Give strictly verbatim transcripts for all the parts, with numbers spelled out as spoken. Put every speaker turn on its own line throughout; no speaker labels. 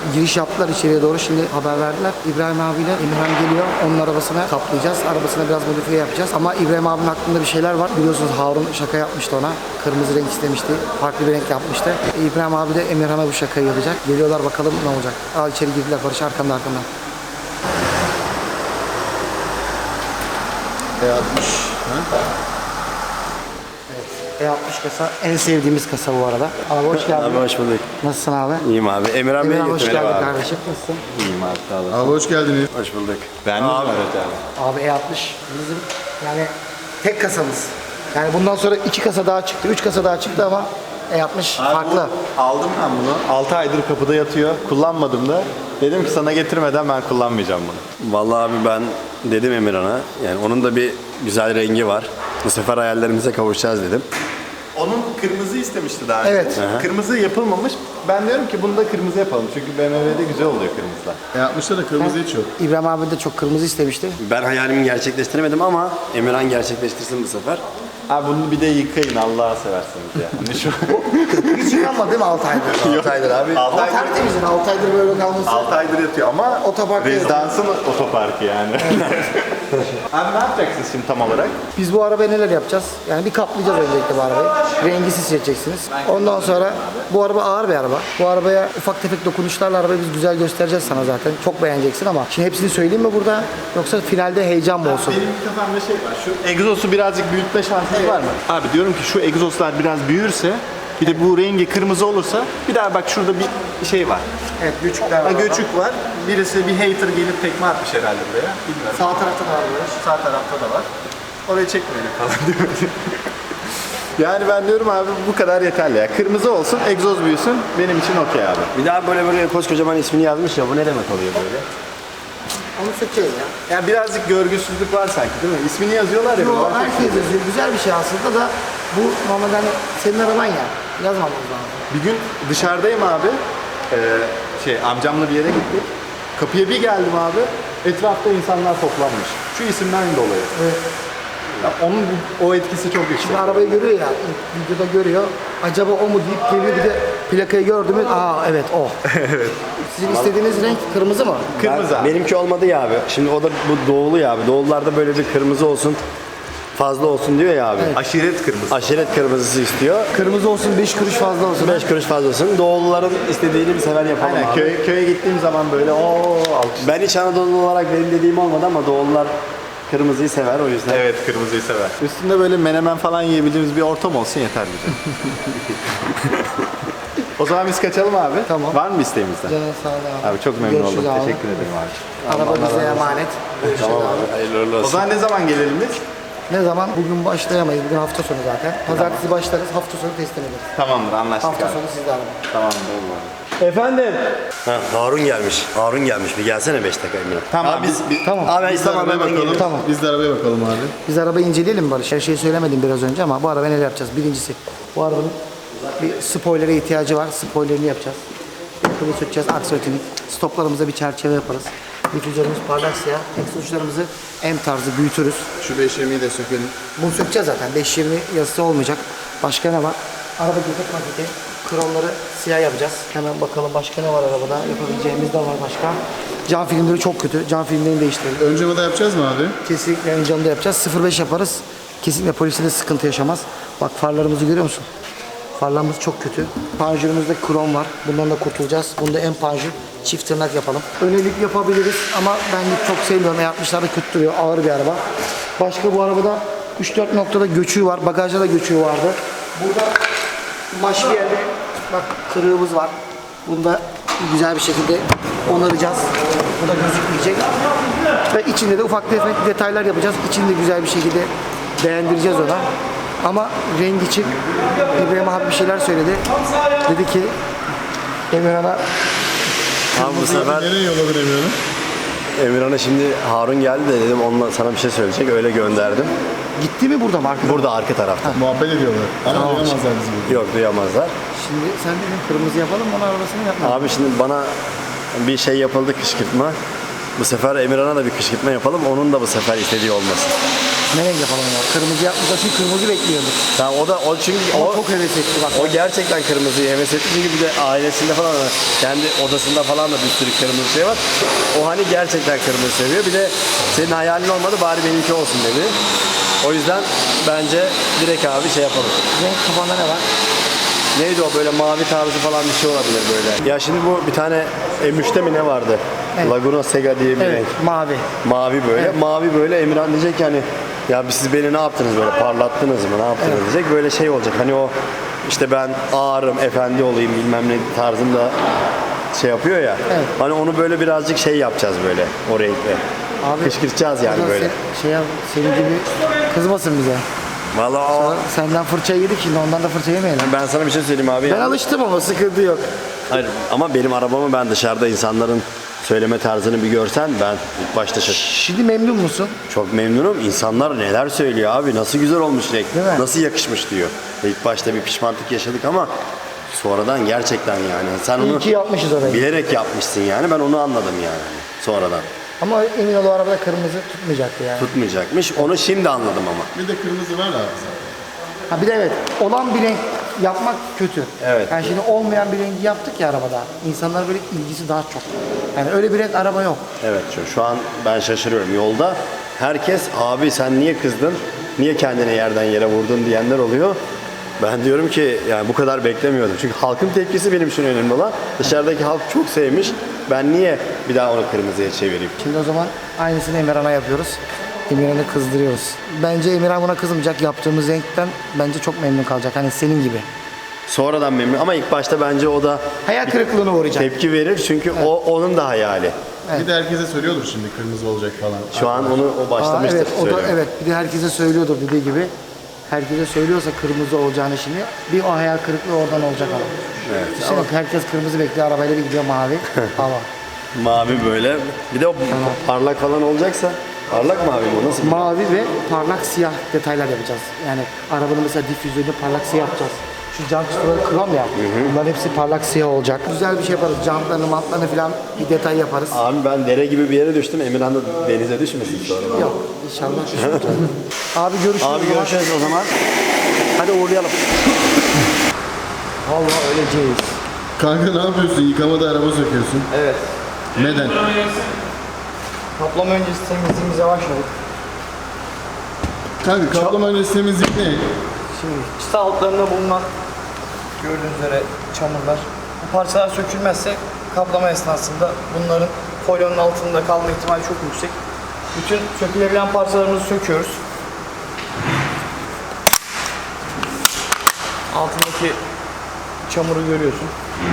giriş yaptılar içeriye doğru. Şimdi haber verdiler. İbrahim abiyle Emirhan geliyor. Onun arabasına kaplayacağız. Arabasına biraz modifiye yapacağız. Ama İbrahim abinin aklında bir şeyler var. Biliyorsunuz Harun şaka yapmıştı ona. Kırmızı renk istemişti. Farklı bir renk yapmıştı. İbrahim abi de Emirhan'a bu şakayı yapacak. Geliyorlar, bakalım ne olacak. Aa, içeri girdiler. Barış arkamda arkamda.
E altmış.
E altmış kasa en sevdiğimiz kasa bu arada. Abi hoş geldin.
Abi hoş bulduk.
Nasılsın abi?
İyiyim abi. Emirhan Bey'i
Emirhan hoş
getirelim
geldin
abi.
kardeşim. Nasılsın?
İyiyim abi sağ olasın.
Abi hoş geldiniz.
Hoş bulduk.
Ben de
abi.
Abi E altmış bizim yani tek kasamız. Yani bundan sonra iki kasa daha çıktı, üç kasa daha çıktı ama E altmış farklı.
Aldım ben bunu. altı aydır kapıda yatıyor. Kullanmadım da. Dedim ki sana getirmeden ben kullanmayacağım bunu.
Vallahi abi ben dedim Emirhan'a. Yani onun da bir güzel rengi var. Bu sefer hayallerimize kavuşacağız dedim.
Onun kırmızı istemişti daha önce.
Evet.
Kırmızı yapılmamış. Ben diyorum ki bunu da kırmızı yapalım. Çünkü B M W'de güzel oluyor kırmızılar.
E altmışta da kırmızı hiç yok.
İbrahim abi de çok kırmızı istemişti.
Ben hayalimi gerçekleştiremedim ama Emirhan gerçekleştirsin bu sefer.
Abi bunu bir de yıkayın Allah'a seversiniz ya. Hani şu
Hiç yıkanmadı değil mi altı aydır?
altı aydır abi.
altı
Ama
aydır,
tertemiz yani altı aydır böyle kalması.
altı aydır yatıyor ama
Otoparkta
rezidansın otoparkı yani. Abi ne yapacaksınız şimdi tam olarak?
Biz bu arabaya neler yapacağız? Yani bir kaplayacağız öncelikle bu arabayı. Rengi siz seçeceksiniz. Ondan sonra bu araba ağır bir araba. Bu arabaya ufak tefek dokunuşlarla arabayı biz güzel göstereceğiz sana zaten. Çok beğeneceksin ama şimdi hepsini söyleyeyim mi burada? Yoksa finalde heyecan mı olsun?
Benim kafamda şey var. Şu egzosu birazcık büyütme şansınız var mı? Abi diyorum ki şu egzozlar biraz büyürse bir de bu rengi kırmızı olursa bir daha bak şurada bir şey var.
Evet, göçükler
Ha, göçük var. Birisi bir hater gelip tekme atmış herhalde buraya. Bilmiyorum.
Sağ tarafta da var böyle.
Sağ tarafta da var. Oraya çekmeyelim falan diyor. Yani ben diyorum abi bu kadar yeterli ya. Kırmızı olsun, egzoz büyüsün. Benim için okey abi.
Bir daha böyle böyle koskocaman ismini yazmış ya, bu ne demek oluyor böyle?
Onu sökeceğiz ya.
Yani birazcık görgüsüzlük var sanki değil mi? İsmini yazıyorlar ya.
Yo,
böyle.
herkes yazıyor. Güzel bir şey aslında da bu normalde hani senin araban ya. Yazmamamız lazım.
Bir gün dışarıdayım abi. Ee, şey amcamla bir yere gittik. Kapıya bir geldim abi. Etrafta insanlar toplanmış. Şu isimden dolayı.
Evet.
Ya onun o etkisi çok yüksek.
Şimdi arabayı görüyor ya, ilk videoda görüyor. Acaba o mu deyip geliyor, bir de plakayı gördü mü? Aa evet o. Evet. Sizin istediğiniz renk kırmızı mı?
Kırmızı
Ben-
abi.
benimki olmadı ya abi. Şimdi o da bu doğulu ya abi. Doğulularda böyle bir kırmızı olsun, fazla olsun diyor ya abi.
Aşiret kırmızı.
Aşiret kırmızısı istiyor.
Kırmızı olsun, beş kuruş fazla olsun.
beş kuruş fazla olsun. Doğuluların istediğini bir sefer yapalım
Aynen
abi.
köye, köye gittiğim zaman böyle o alkış.
Ben hiç Anadolu olarak benim dediğim olmadı ama doğulular kırmızıyı sever, o yüzden.
Evet kırmızıyı sever. Üstünde böyle menemen falan yiyebildiğimiz bir ortam olsun yeter bize. O zaman biz kaçalım abi.
Tamam.
Var mı isteğimizden?
Canın sağ ol abi.
Abi çok memnun
Görüşürüz
oldum.
abi.
Teşekkür ederim abi.
Araba bize emanet.
Tamam abi, hayırlı uğurlu
O
olsun.
zaman ne zaman gelelim biz?
Ne zaman? Bugün başlayamayız. Bugün hafta sonu zaten. Pazartesi başlarız. Hafta sonu teslim ederiz.
Tamamdır anlaştık
Hafta
abi.
sonu sizde araba.
Tamamdır.
Efendim? Ha, Harun gelmiş. Harun gelmiş. Bir gelsene beş dakika Emine.
Tamam abi, biz, biz
Tamam.
Abi ben
Biz de
İslam
arabaya
hemen
bakalım.
geliyorum.
Tamam.
Biz de arabaya bakalım abi.
Biz arabayı inceleyelim mi Barış? Her şeyi söylemedim biraz önce ama bu araba neler yapacağız? Birincisi bu arabanın bir spoiler'e ihtiyacı var. Spoiler'ını yapacağız. Bunu sökeceğiz. Aksiyotini. Stoplarımıza bir çerçeve yaparız. Difüzörümüz parlak siyah. Egzoz uçlarımızı M tarzı büyütürüz.
Şu beş yirmiyi de sökelim.
Bunu sökeceğiz zaten. beş yirmi yazısı olmayacak. Başka ne var? Araba göbek maketi. Kromları siyah yapacağız. Hemen bakalım başka ne var arabada. Yapabileceğimiz de var başka. Cam filmleri çok kötü. Cam filmlerini değiştirelim.
Ön camı da yapacağız mı abi?
Kesinlikle ön camda yapacağız. sıfır beş yaparız. Kesinlikle poliste de sıkıntı yaşamaz. Bak farlarımızı görüyor musun? Farlarımız çok kötü. Panjurumuzda krom var. Bundan da kurtulacağız. Bunda en panjur. Çift tırnak yapalım. Önelik yapabiliriz ama ben çok sevmiyorum. E altmışlarda kötü duruyor. Ağır bir araba. Başka bu arabada üç dört noktada göçüğü var. Bagajda da göçüğü vardı. Burada maşlı yerde bak kırığımız var. Bunda güzel bir şekilde onaracağız. Bu da gözükmeyecek. Ve içinde de ufak tefek detaylar yapacağız. İçini de güzel bir şekilde beğendireceğiz ona. Ama rengi için İbrahim abi bir şeyler söyledi. Dedi ki Emirhan'a
Abi bu sefer
Nereye yolladı Emirhan'ı?
Emirhan'a şimdi Harun geldi de dedim onunla sana bir şey söyleyecek, öyle gönderdim.
gitti mi burada mı arkadaşlar?
Burada arka tarafta.
Muhabbet ediyorlar. Ama duyamazlar bizi burada.
Yok, duyamazlar.
Şimdi sen dedin kırmızı yapalım onun arabasını yapma.
Abi şimdi bana bir şey yapıldı, kışkırtma. Bu sefer Emirhan'a da bir kışkırtma yapalım. Onun da bu sefer istediği olmasın.
Ne renk yapalım ya? Kırmızı yapmışlar çünkü kırmızı bekliyorduk.
Tamam o da o çünkü
O,
o
çok heves etti bak.
o gerçekten kırmızıyı heves etti çünkü bir de ailesinde falan kendi odasında falan da bir sürü kırmızı şey var. O hani gerçekten kırmızı seviyor. Bir de senin hayalin olmadı bari benimki olsun dedi. O yüzden bence direkt abi şey yapalım.
Renk kafanda ne var?
Neydi o böyle mavi tarzı falan bir şey olabilir böyle. Ya şimdi bu bir tane M üçte mi ne vardı?
Evet.
Laguna Sega diye bir
Evet,
renk.
mavi.
Mavi böyle.
Evet.
Mavi böyle Emirhan diyecek ki hani ya siz beni ne yaptınız böyle parlattınız mı ne yaptınız
Evet.
diyecek. Böyle şey olacak hani o işte ben ağırım efendi olayım bilmem ne tarzında şey yapıyor ya.
Evet.
Hani onu böyle birazcık şey yapacağız böyle o renkle.
Abi,
Kışkırtacağız yani
o zaman
böyle.
Sen, şey yap, senin gibi kızmasın bize.
Vallahi o...
Senden fırça yedik şimdi ondan da fırça yemeyelim.
Ben sana bir şey söyleyeyim abi.
Ben
ya.
alıştım ama sıkıntı yok.
Hayır ama benim arabamı ben dışarıda insanların söyleme tarzını bir görsen ben ilk başta şaşırdım.
Şimdi memnun musun?
Çok memnunum. İnsanlar neler söylüyor abi. Nasıl güzel olmuş renk.
Değil mi?
Nasıl yakışmış diyor. İlk başta bir pişmanlık yaşadık ama sonradan gerçekten yani. Sen
İyi
onu
ki yapmışız orayı.
bilerek yapmışsın yani. Ben onu anladım yani sonradan.
Ama emin ol o arabada kırmızı tutmayacaktı yani.
Tutmayacakmış. Onu şimdi anladım ama.
Bir de kırmızı var abi zaten.
Ha bir de evet olan bir renk yapmak kötü.
Evet.
Yani şimdi olmayan bir rengi yaptık ya arabada. İnsanlar böyle ilgisi daha çok. Yani öyle bir renk araba yok.
Evet şu, şu an ben şaşırıyorum. Yolda herkes abi sen niye kızdın? Niye kendini yerden yere vurdun diyenler oluyor. Ben diyorum ki yani bu kadar beklemiyordum. Çünkü halkın tepkisi benim için önemli olan. Dışarıdaki halk çok sevmiş. Ben niye bir daha onu kırmızıya çevireyim?
Şimdi o zaman aynısını Emirhan'a yapıyoruz. Emirhan'ı kızdırıyoruz. Bence Emirhan buna kızmayacak. Yaptığımız renkten bence çok memnun kalacak. Hani senin gibi.
Sonradan memnun ama ilk başta bence o da
Hayal kırıklığına uğrayacak.
tepki verir çünkü o onun da hayali.
Bir de herkese söylüyordur şimdi kırmızı olacak falan.
Şu an onu o
Aa,
başlamıştır
evet, o da
söylüyor.
evet. Bir de herkese söylüyordur dediği gibi. Herkese söylüyorsa kırmızı olacağını şimdi bir o hayal kırıklığı oradan olacak ama.
Evet.
Düşünsene herkes kırmızı bekliyor arabayla bir gidiyor mavi. Hava.
Mavi böyle. Bir de o parlak falan olacaksa parlak mavi mi o nasıl?
Mavi ve parlak siyah detaylar yapacağız. Yani arabanın mesela difüzörünü parlak siyah yapacağız. Şu cam kısımları krom ya. Bunların hepsi parlak siyah olacak. Güzel bir şey yaparız. Camlarını, matlarını falan bir detay yaparız.
Abi ben dere gibi bir yere düştüm. Emirhan da denize düşmesin sonra.
Yok inşallah düşmeyeceğiz. Abi görüşürüz.
Abi
o zaman.
görüşürüz o zaman. Hadi uğurlayalım.
Vallahi öleceğiz.
Kanka ne yapıyorsun? Yıkamada araba söküyorsun.
Evet.
Neden?
Kaplama öncesi temizliğimize başladık.
Kanka kaplama öncesi temizlik ne?
Şimdi çıta altlarında bulunan gördüğünüz üzere çamurlar. Bu parçalar sökülmezse kaplama esnasında bunların folyonun altında kalma ihtimali çok yüksek. Bütün sökülebilen parçalarımızı söküyoruz. Altındaki çamuru görüyorsun.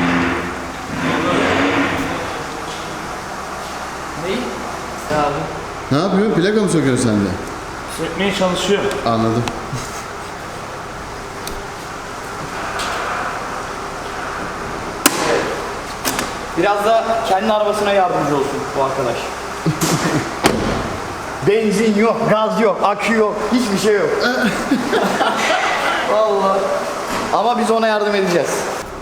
Neyi? Ne abi?
Ne yapıyorsun? Plaka mı söküyorsun sen de?
Sökmeye çalışıyor.
Anladım.
Biraz da kendi arabasına yardımcı olsun bu arkadaş. Benzin yok, gaz yok, akü yok, hiçbir şey yok. Vallahi. Ama biz ona yardım edeceğiz.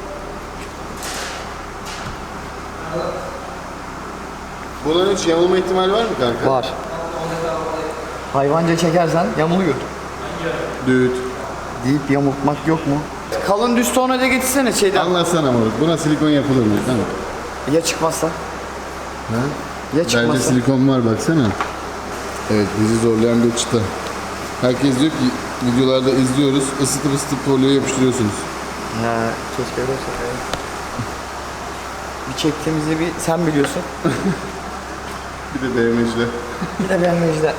Bunların hiç yamulma ihtimali var mı kanka?
Var. Hayvanca çekersen yamuluyor.
Düt.
Deyip yamultmak yok mu? Kalın düz tornavida getirsene şeyden.
Anlatsana moruk. Buna silikon yapılır mı? Tamam.
Ya çıkmazsa?
Ha?
Ya
Bence
çıkmazsa?
silikon var baksana. Evet bizi zorlayan bir çıta. Herkes diyor ki videolarda izliyoruz. Isıtıp ısıtıp folyoya yapıştırıyorsunuz.
Ya keşke öyle olsa. Bir çektiğimizi bir sen biliyorsun.
Bir de B M W'ciler.
Bir de ben Mecde.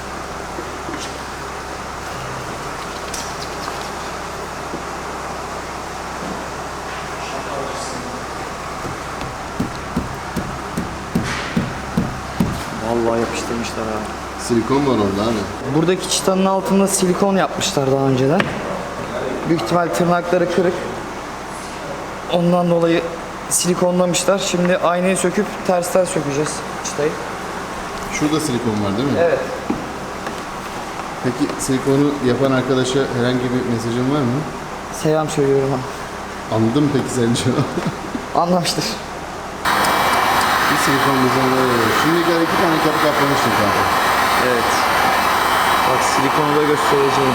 Vallahi yapıştırmışlar ha.
Silikon var orada abi.
Buradaki çıtanın altında silikon yapmışlar daha önceden. Büyük ihtimal tırnakları kırık. Ondan dolayı silikonlamışlar. Şimdi aynayı söküp tersten sökeceğiz çıtayı.
Şurada silikon var değil mi?
Evet.
Peki silikonu yapan arkadaşa herhangi bir mesajın var mı?
Selam söylüyorum ha.
Anladın mı peki sence?
Anlamıştır.
Bir silikon düzenleri var. Şimdiye kadar iki tane kapı kaplamıştım kanka.
Evet.
Bak silikonu da göstereceğim.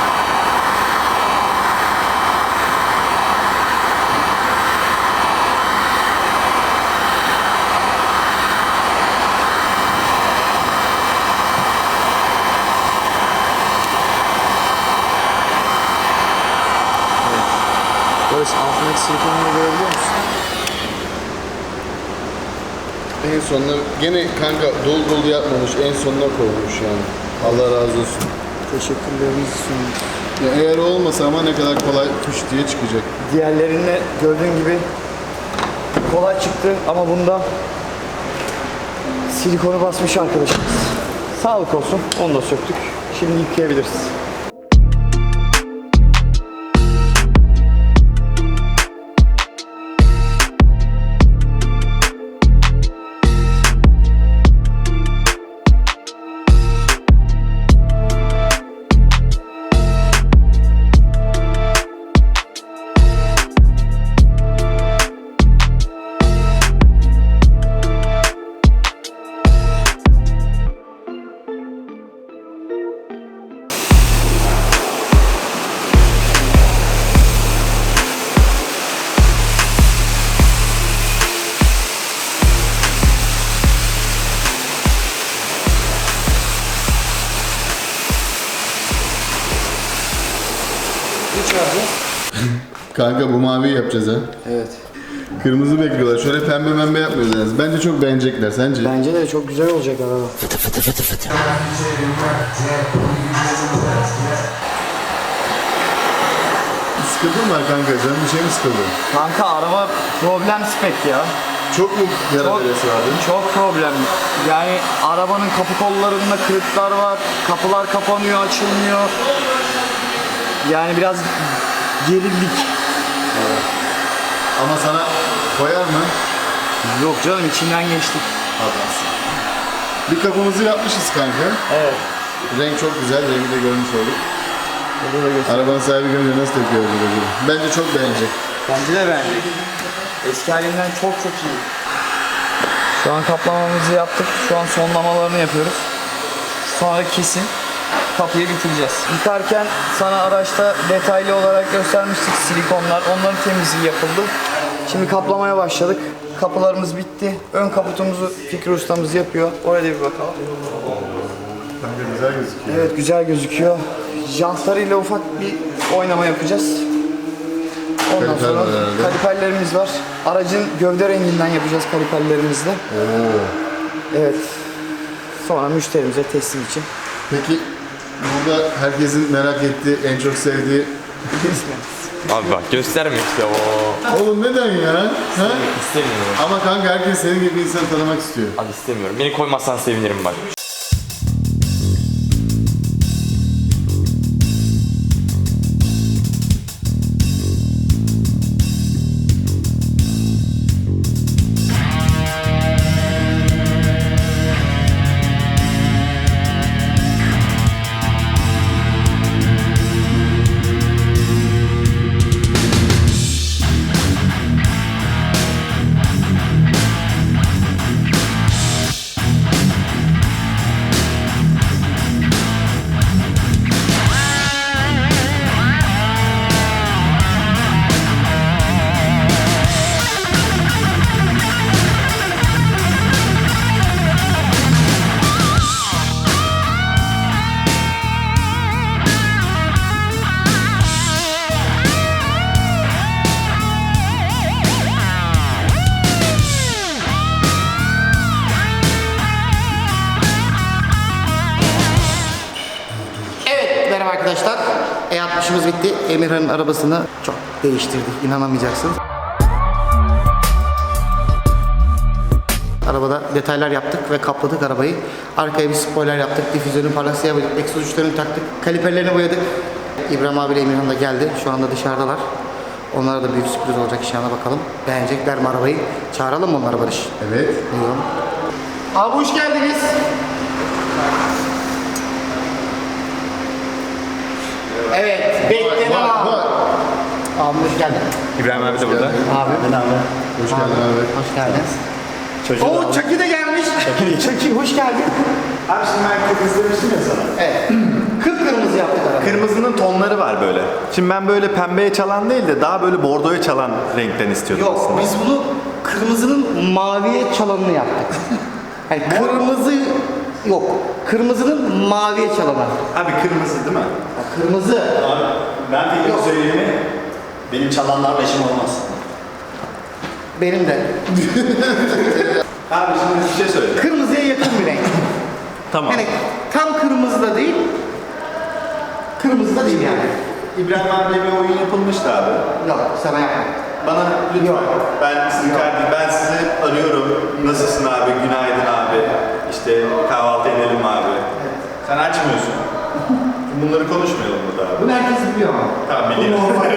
Barış altındaki silikonunu görebiliyor musun?
En sonuna gene kanka dolu dolu yapmamış, en sonuna koymuş yani. Allah razı olsun.
Teşekkürlerimizi sunuyoruz.
Ya eğer olmasa ama ne kadar kolay tuş diye çıkacak.
Diğerlerinde gördüğün gibi kolay çıktı ama bunda silikonu basmış arkadaşımız. Sağlık olsun. Onu da söktük. Şimdi yıkayabiliriz.
Kanka bu maviyi yapacağız ha.
Evet.
Kırmızı bekliyorlar. Şöyle pembe pembe yapmıyoruz yani. Bence çok beğenecekler. Sence?
Bence de çok güzel olacak araba.
Sıkıntı mı var kanka? Canım bir şey mi sıkıldı?
Kanka araba problem spek ya.
Çok mu yara
Çok,
veresi vardı?
çok problem. Yani arabanın kapı kollarında kırıklar var. Kapılar kapanıyor, açılmıyor. Yani biraz gerildik.
Ama sana koyar mı?
Yok canım içinden geçtik.
Adamsın. Bir kapımızı yapmışız kanka.
Evet.
Renk çok güzel. Rengi de görmüş olduk.
Burada da göster.
Arabanın sahibi görünce nasıl tepki verecek acaba? Bence çok beğenecek.
Bence de beğendik. Eski halinden çok çok iyi. Şu an kaplamamızı yaptık. Şu an sonlamalarını yapıyoruz. Sonra kesin kapıyı bitireceğiz. Yıkarken sana araçta detaylı olarak göstermiştik silikonlar. Onların temizliği yapıldı. Şimdi kaplamaya başladık. Kapılarımız bitti. Ön kaputumuzu Fikri ustamız yapıyor. Oraya da bir bakalım.
Kanka güzel gözüküyor.
Evet güzel gözüküyor. Jantlarıyla ufak bir oynama yapacağız. Ondan
Kaliper
sonra
var herhalde.
kaliperlerimiz var. Aracın gövde renginden yapacağız kaliperlerimizle.
Oo.
Evet. Sonra müşterimize teslim için.
Peki burada herkesin merak ettiği, en çok sevdiği...
Abi bak gösterme işte o.
Oğlum neden ya? Ha?
İstemiyorum.
Ama kanka herkes senin gibi bir insanı tanımak istiyor.
Abi istemiyorum. Beni koymazsan sevinirim bak.
Merhaba arkadaşlar. E altmışımız bitti. Emirhan'ın arabasını çok değiştirdik. İnanamayacaksınız. Arabada detaylar yaptık ve kapladık arabayı. Arkaya bir spoiler yaptık. Difüzörün parlak siyah boyadık. Egzoz uçlarını taktık. Kaliperlerini boyadık. İbrahim abiyle Emirhan da geldi. Şu anda dışarıdalar. Onlara da büyük sürpriz olacak inşallah bakalım. Beğenecekler mi arabayı? Çağıralım mı onları Barış?
Evet.
Buyurun. Abi hoş geldiniz. Evet, beklenen
Bak,
abi.
bak.
Abi hoş geldin.
İbrahim abi de burada.
Abi. Ben abi.
Hoş geldin abi.
Hoş geldiniz. Oo, Çaki de gelmiş. Çaki, hoş geldin.
Abi şimdi ben kız izlemiştim ya sana.
Evet. kırmızı yaptık arabayı.
Kırmızının tonları var böyle. Şimdi ben böyle pembeye çalan değil de daha böyle bordoya çalan renkten istiyordum
Yok,
aslında.
biz bunu kırmızının maviye çalanını yaptık. Yani kırmızı yok. Kırmızının maviye çalanı.
Abi kırmızı değil mi?
Kırmızı.
Abi ben fikrimi söyleyeyim mi? Benim çalanlarla işim olmaz.
Benim de.
Abi şimdi bir şey söyleyeceğim.
Kırmızıya yakın bir renk.
Tamam.
Yani tam kırmızı da değil. Kırmızı da değil yani.
İbrahim abiye bir oyun yapılmıştı abi.
Yok, sana yapma.
Bana lütfen.
Yok.
Ben sizin kardeşim, ben sizi arıyorum. Nasılsın abi? Günaydın abi. İşte kahvaltı edelim abi. Sen açmıyorsun. Bunları konuşmayalım burada abi.
Bunu herkes biliyor ama.
Tamam
Bu
biliyorum.
normal.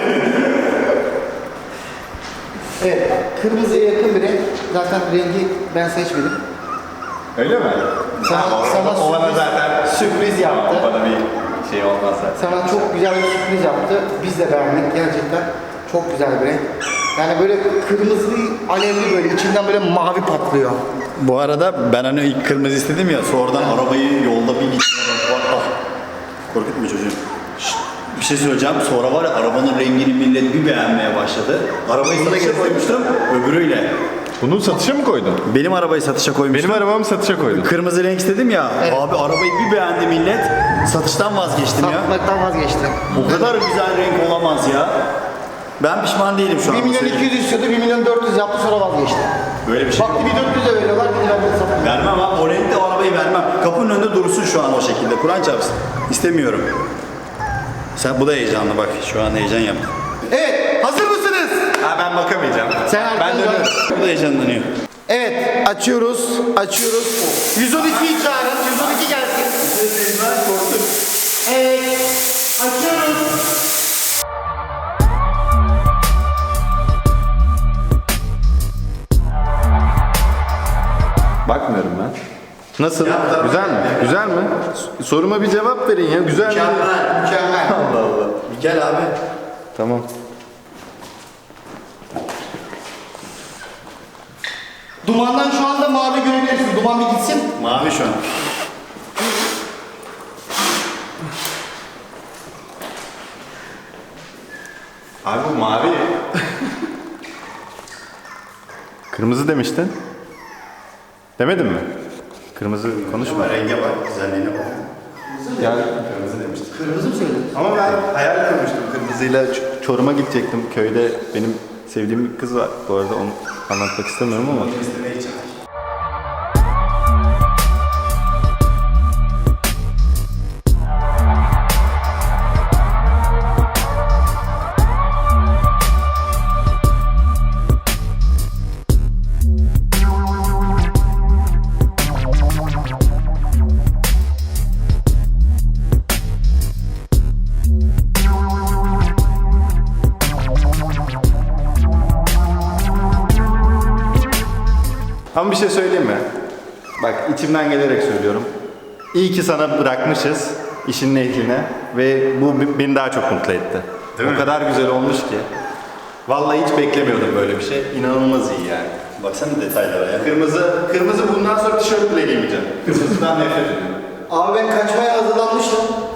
Evet, kırmızıya yakın bir renk. Zaten rengi ben seçmedim.
Öyle mi?
Sana-
Tamam, o-
sana
o bana
sürpriz-
zaten
sürpriz yaptı.
Tamam, bana bir şey olmaz zaten.
Sana çok güzel bir sürpriz yaptı. Biz de beğendik gerçekten. Çok güzel bir renk. Yani böyle kırmızı, alevli böyle içinden böyle mavi patlıyor.
Bu arada ben hani ilk kırmızı istedim ya, sonradan arabayı yolda bir gittim. Ah, korkutma çocuğum. Şşt, bir şey söyleyeceğim. Sonra var ya, arabanın rengini millet bir beğenmeye başladı. Arabayı satışa koymuştum öbürüyle.
Bunu satışa mı koydun?
Benim arabayı satışa koymuştum.
Benim arabamı satışa koydun.
Kırmızı renk istedim ya. Abi arabayı bir beğendi millet. Satıştan vazgeçtim ya.
Satmaktan vazgeçti.
O kadar güzel renk olamaz ya. Ben pişman değilim şu an.
bir milyon iki yüz istiyordu, bir milyon dört yüz yaptı sonra vazgeçti.
Böyle bir şey.
Baktı bir dört yüze veriyorlar, bir lira satıyor.
Vermem abi. O renkte o arabayı vermem. Kapının önünde dursun şu an o şekilde. Kur'an çarpsın. İstemiyorum. Sen bu da heyecanlı bak. Şu an heyecan yaptı.
Evet, hazır mısınız?
Ha ben bakamayacağım.
Sen
ben
arkanı
dönüyorum.
dön.
Bu da heyecanlanıyor.
Evet, açıyoruz, açıyoruz. yüz on ikiyi çağırın, yüz on iki gelsin. Evet, açıyoruz.
Bakmıyorum ben. Nasıl? Güzel mi? Güzel mi? S- Soruma bir cevap verin ya. Güzel mi?
Mükemmel, mükemmel.
Allah Allah.
Bir gel abi.
Tamam.
Dumandan şu anda mavi görebilirsin. Duman bir gitsin.
Mavi şu an.
Abi bu mavi. Kırmızı demiştin. Demedin mi? Kırmızı konuşma.
Ama renge bak, güzelliğine bak.
Ya kırmızı demiştin.
Kırmızı mı söyledin?
Ama ben hayal kurmuştum kırmızıyla Ç- Çorum'a gidecektim. Köyde benim sevdiğim bir kız var. Bu arada onu anlatmak istemiyorum ama. Ama bir şey söyleyeyim mi? Bak içimden gelerek söylüyorum. İyi ki sana bırakmışız işin ehline ve bu b- beni daha çok mutlu etti. o kadar güzel olmuş ki. Vallahi hiç beklemiyordum böyle bir şey. İnanılmaz iyi yani.
Baksana detaylara ya.
Kırmızı, kırmızı bundan sonra tişört bile giymeyeceğim. Kırmızıdan nefret ediyorum.
Abi ben kaçmaya hazırlanmıştım.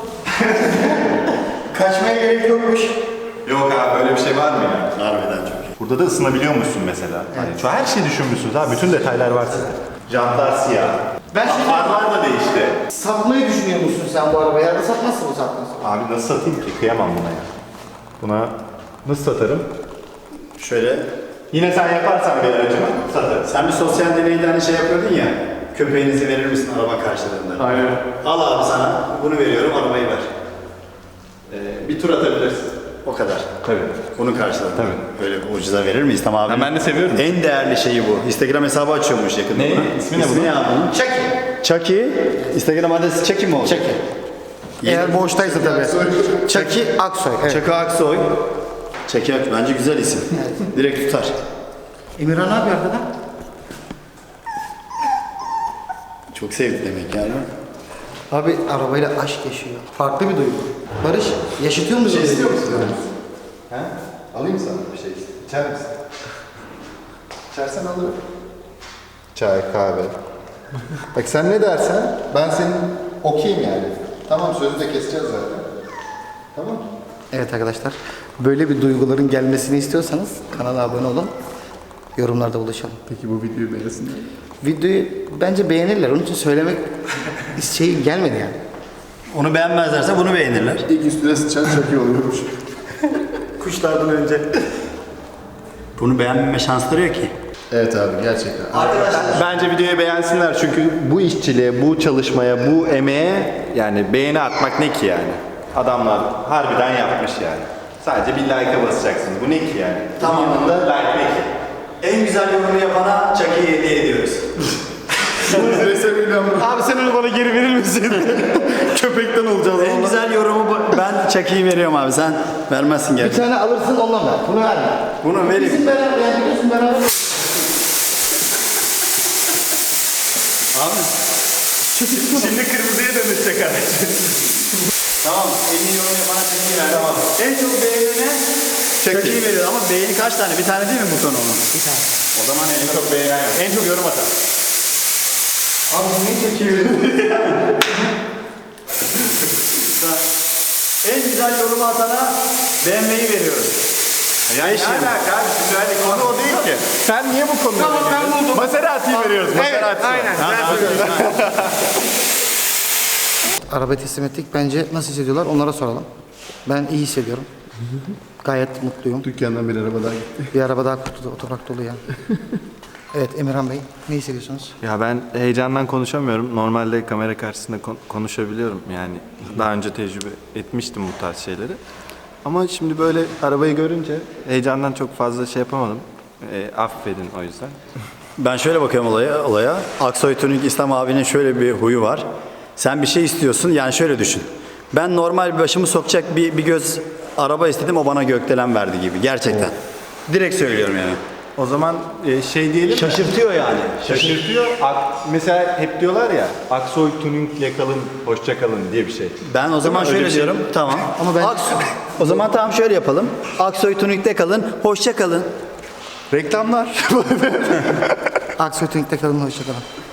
Kaçmaya gerek yokmuş.
Yok abi böyle bir şey var mı ya?
Harbiden çok iyi.
Burada da ısınabiliyormuşsun mesela. Hani şu her şeyi düşünmüşsünüz ha. Bütün detaylar var sizde. Jantlar siyah.
Ben şimdi-
Farlar da değişti.
Satmayı düşünüyor musun sen bu arabayı? Yerde satmazsın bu saatten sonra.
Abi nasıl satayım ki? Kıyamam buna ya. Buna nasıl satarım?
Şöyle,
Yine sen yaparsan bir aracımı satarım.
sen bir sosyal deneyde hani şey yapıyordun ya, köpeğinizi verir misin araba karşılığında?
Aynen.
Al abi sana, bunu veriyorum, arabayı ver.
Ee, bir tur atabilirsin.
O kadar.
Tabii.
Bunun karşılığında.
Tabii.
Öyle bir ucuza verir miyiz? Tamam abi.
Ha, ben de seviyorum.
En değerli şeyi bu. Instagram hesabı açıyormuş yakında.
Ne?
buna.
İsmi ne bunun?
İsmi ne abi bunun?
Çek.
Chucky. Instagram adresi Chucky mi oldu?
Çeki. Eğer boştaysa tabii. Çeki Aksoy. Evet.
Chucky Aksoy. Chucky Aksoy. Bence güzel isim. Direkt tutar.
Emirhan ne yapıyor arkada?
Çok sevdi demek yani.
Abi arabayla aşk yaşıyor. Farklı bir duygu. Barış, yaşatıyor mu? Şey
İstiyor musun? He? Alayım sana bir şey. İçer misin? İçersen alırım. Çay, kahve. Bak sen ne dersen ben senin okeyim yani.
Tamam, sözü de keseceğiz zaten. Tamam.
Evet arkadaşlar, böyle bir duyguların gelmesini istiyorsanız kanala abone olun. Yorumlarda buluşalım.
Peki bu videoyu beğensinler.
Videoyu bence beğenirler. Onun için söylemek şey gelmedi yani.
Onu beğenmezlerse bunu beğenirler.
İlk üstüne sıçan çok iyi oluyormuş.
Kuşlardan önce. Bunu beğenmeme şansları yok ki.
Evet abi, gerçekten.
Bence videoyu beğensinler çünkü bu işçiliğe, bu çalışmaya, bu emeğe yani beğeni atmak ne ki yani? Adamlar harbiden yapmış yani. Sadece bir like'a basacaksın. Bu ne ki yani?
Tamam.
Yanında like ne ki?
En güzel yorumu yapana Chucky'yi hediye ediyoruz.
Abi sen onu bana geri verir misin? Köpekten olacağız.
En güzel yorumu bu- ben Chucky'yi veriyorum abi. Sen vermezsin
Bir
gerçi.
tane alırsın ondan ver. Bunu verme.
Bunu vereyim.
Bizim beraber yani biliyorsun beraber.
Abi.
Şimdi kırmızıya dönüşecek araç.
Tamam. En iyi yorum yapana Chucky'yi ver. Tamam. En çok beğenene Chucky'yi veriyor ama beğeni kaç tane? Bir tane değil mi buton onun? Bir tane.
O zaman en çok beğenen yok. En çok yorum atan.
Abi bu neyi çekiyor?
En güzel yorumu atana beğenmeyi veriyoruz.
Ya ne alaka abi? Şimdi hani konu o değil ki. Sen niye bu konuda Tamam ben buldum. Maserati'yi veriyoruz. Maserati. Evet, aynen.
Arabayı teslim ettik. Bence nasıl hissediyorlar onlara soralım. Ben iyi hissediyorum. Gayet mutluyum.
Dükkandan bir araba daha gitti.
Bir araba daha kurtuldu. Otopark dolu ya. Evet Emirhan Bey, ne hissediyorsunuz?
Ya ben heyecandan konuşamıyorum. Normalde kamera karşısında kon- konuşabiliyorum. Yani daha önce tecrübe etmiştim bu tarz şeyleri. Ama şimdi böyle arabayı görünce heyecandan çok fazla şey yapamadım. E, affedin o yüzden.
Ben şöyle bakıyorum olaya. olaya. Aksoy Tuning İslam abinin şöyle bir huyu var. Sen bir şey istiyorsun. Yani şöyle düşün. Ben normal bir başımı sokacak bir, bir göz araba istedim. O bana gökdelen verdi gibi. Gerçekten. Direkt söylüyorum yani.
O zaman e, şey diyelim mi?
Şaşırtıyor yani.
Şaşırtıyor. Ak- mesela hep diyorlar ya Aksoy Tuning'le kalın, hoşça kalın diye bir şey.
Ben o zaman
Öyle
şöyle
bir şey.
diyorum. Tamam.
Ama ben-
Aksoy- o zaman tamam şöyle yapalım. Aksoy Tuning'de kalın. Hoşça kalın.
Reklamlar.
Aksoy Tunik'te kalın, hoşçakalın.